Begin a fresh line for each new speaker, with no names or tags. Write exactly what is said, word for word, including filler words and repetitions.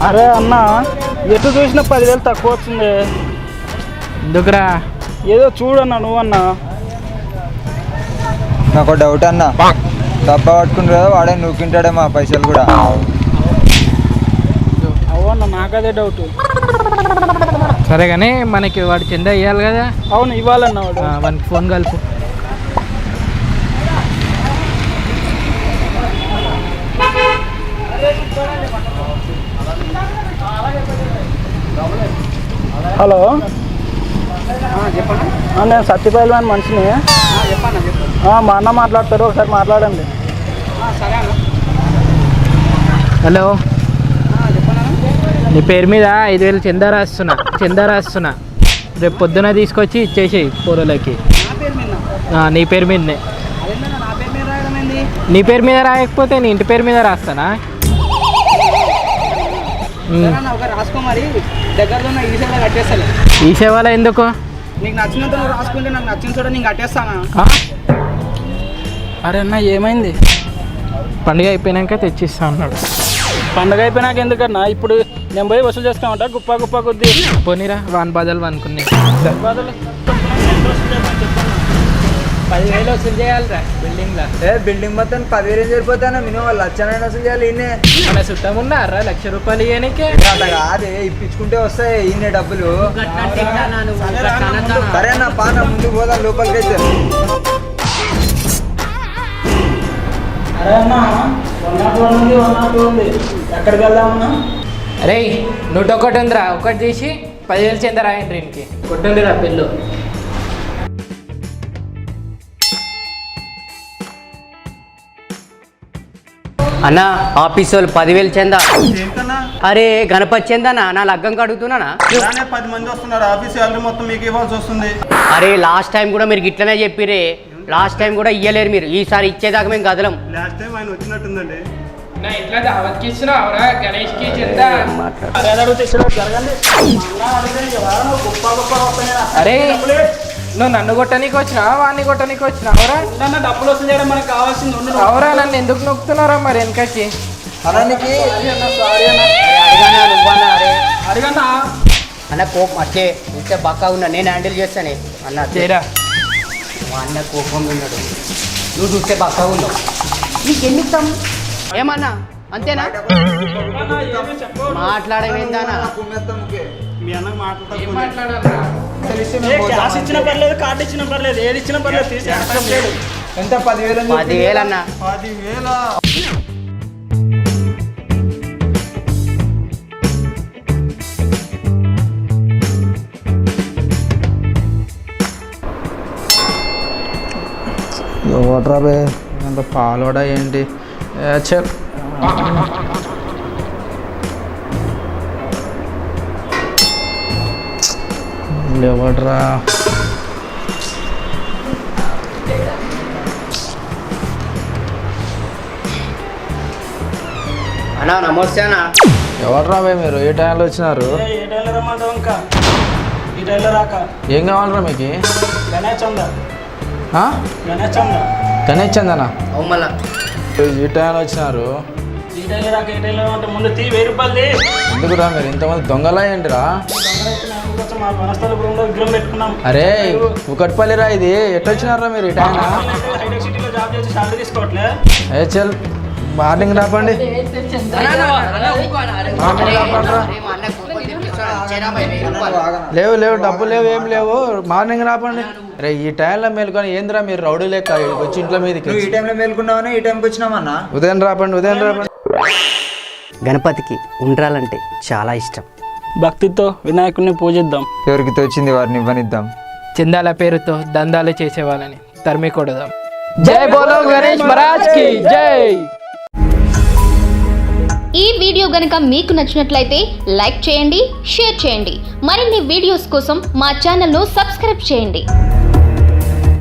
అరే అన్న ఎటు చూసినా పదివేలు తక్కువ వచ్చింది.
ఎందుకురా?
ఏదో చూడన్నా నువ్వన్నా.
నాకు డౌట్ అన్న, డబ్బా పట్టుకుంటారు కదా వాడే నూకింటాడేమో ఆ పైసలు కూడా.
అవునా, నాకదే డౌట్.
సరే కానీ మనకి వాడు చందా ఇవ్వాలి కదా.
అవును ఇవ్వాలన్నా వాడు.
వానికి ఫోన్ కలుపు.
హలో చెప్పండి. నేను సత్యపల్లి అని మనిషిని. మా అన్న మాట్లాడతారు, ఒకసారి మాట్లాడండి.
హలో, నీ పేరు మీద ఐదు వేలు చందా రాస్తున్నా చందా రాస్తున్నా రేపు పొద్దున తీసుకొచ్చి ఇచ్చేసేయి పూరలకి. నీ పేరు మీదనే. నీ పేరు మీద రాయకపోతే నీ ఇంటి పేరు మీద రాస్తానా? ఈ సేవలో ఎందుకు?
నీకు నచ్చినంత నువ్వు రాసుకుంటే నాకు నచ్చిన చోట నేను కట్టేస్తానా? అరే అన్న ఏమైంది?
పండుగ అయిపోయినాక తెచ్చిస్తా అన్నాడు.
పండుగ అయిపోయినాక ఎందుకన్నా? ఇప్పుడు నేను పోయి వసూలు చేస్తామంట గుప్ప గుప్ప కొద్ది.
పోనీరా, వాన్ బాధలు అనుకున్నాయి.
పదివేలు వసూలు చేయాలిరా బిల్డింగ్లో.
ఏ బిల్డింగ్ మొత్తం పదివేలు సరిపోతానా? మినిమం వాళ్ళు లక్షణైనా వసూలు చేయాలి. ఈయనే
మన సుట్టం ఉన్నారా లక్ష రూపాయలు ఇవ్వడానికి?
అట్లా కాదే, ఇప్పించుకుంటే వస్తాయి ఈయన డబ్బులు. సరే అన్న పాన ముందుకు పోదా లోపలికి అయితే.
అరే అన్న వన్ నాట్ వన్ ఉంది వన్ నాట్ టూ ఉంది, ఎక్కడికి వెళ్దామన్నా?
అరే నూట ఒకటి ఉందిరా, ఒకటి తీసి పదివేలు చెంద రాయండి. ఇంటికి కొట్టుందిరా పిల్లు.
అన్న ఆఫీస్ వాళ్ళు పదివేలు చందా. అరే గణపతి చందానా? నా లగ్గం కడుగుతున్నానా?
పది మంది వస్తున్నారు, ఆఫీస్ సాలరీ మొత్తం మీకు ఇవ్వాల్సి వస్తుంది.
అరే లాస్ట్ టైం కూడా మీరు ఇట్లనే చెప్పిరే. లాస్ట్ టైం కూడా ఇయ్యలేరు మీరు, ఈసారి ఇచ్చేదాకా మేము కదలం.
లాస్ట్ టైం ఆయన వచ్చినట్టుందండి.
ఇట్లా దావత్కి ఇచ్చినావురా గణేష్కి చందా? అరే నువ్వు నన్ను కొట్టనీకి వచ్చినావా వాడిని కొట్టనీకి వచ్చినావురా?
డబ్బులు వసూలు చేయడం మనకు కావాల్సింది.
అవురా, నన్ను ఎందుకు నొక్కుతున్నారా మరి వెనకకి?
అలానికి
అడిగన్నా
అన్న కోపం అట్లే ఇంతే బక్కా ఉన్నా, నేను హ్యాండిల్ చేస్తానే. అన్న
చేరా,
మా అన్న కోపం ఉన్నాడు, నువ్వు చూస్తే బక్కా ఉన్నావు. నీకెన్నిస్తాం ఏమన్నా? అంతేనా? మాట్లాడమేందానా?
మీ అన్నకు మాట్లాడతాం.
మాట్లాడాలా?
క్యాష్ ఇచ్చిన పర్లేదు, కార్డు ఇచ్చిన పర్లేదు, ఏది ఇచ్చిన పర్లేదు తీసి
ఎంత పదివేలు?
పదివేలు అన్న.
పదివేల
ఓటరా బే,
అంత పాలోడా ఏంటి? చెప్ ఎవడ్రా?
అన్నా నమస్తే అన్న.
ఎవడ్రా బే మీరు? ఏ టైంలో వచ్చినారు?
ఏ టైంలో రమ్మంటావు? ఇంకా ఈ టైంలో రాక.
ఏం కావాలరా మీకు?
గణేష్ చందా, గణేష్ చందా.
గణేష్ చందనా?
అవు మళ్ళా
ఈ టైంలో వచ్చినారు.
ఈ టైంలో రాక ఏ టైంలో అంటే ముందు తీ వెయ్యి రూపాయలు తీ.
ఎందుకురా మీరు ఇంతమంది దొంగలా ఏంటిరా?
మా వనస్థల గృహంలో విగ్రహం పెట్టుకున్నాం.
అరే కుకట్పల్లిరా ఇది, ఎట్లా వచ్చినారా మీరు ఈ టైం?
హైటెక్ సిటీలో జాబ్ చేసి శాలరీ తీసుకోవట్లే.
ఏ చల్ మార్నింగ్ రాపండి. లేవు లేవు డబ్బు లేవు ఏం లేవు, మార్నింగ్ రాపండి. రే ఈ టైంలో మేలుకొని ఏందిరా మీరు రౌడీ లెక్క వచ్చి ఇంట్లో మీదకి?
ఈ టైంలో మేలుకున్నావని ఈ టైంకి వచ్చినామన్నా.
ఉదయం రాపండి, ఉదయం రాపండి.
గణపతికి ఉండ్రాలంటే చాలా ఇష్టం.
భక్తితో వినాయకుడిని పూజిద్దాం.
ఎవరికి తోచింది వారిని ఇవ్వనిద్దాం.
చందాల పేరుతో దందాలు చేసేవాళ్ళని తరిమి కొడదాం. జై బోలో గణేష్ మహారాజ్ కి జై.
ఈ వీడియో గనుక మీకు నచ్చినట్లయితే లైక్ చేయండి, షేర్ చేయండి. మరిన్ని వీడియోస్ కోసం మా ఛానల్ను సబ్స్క్రైబ్ చేయండి.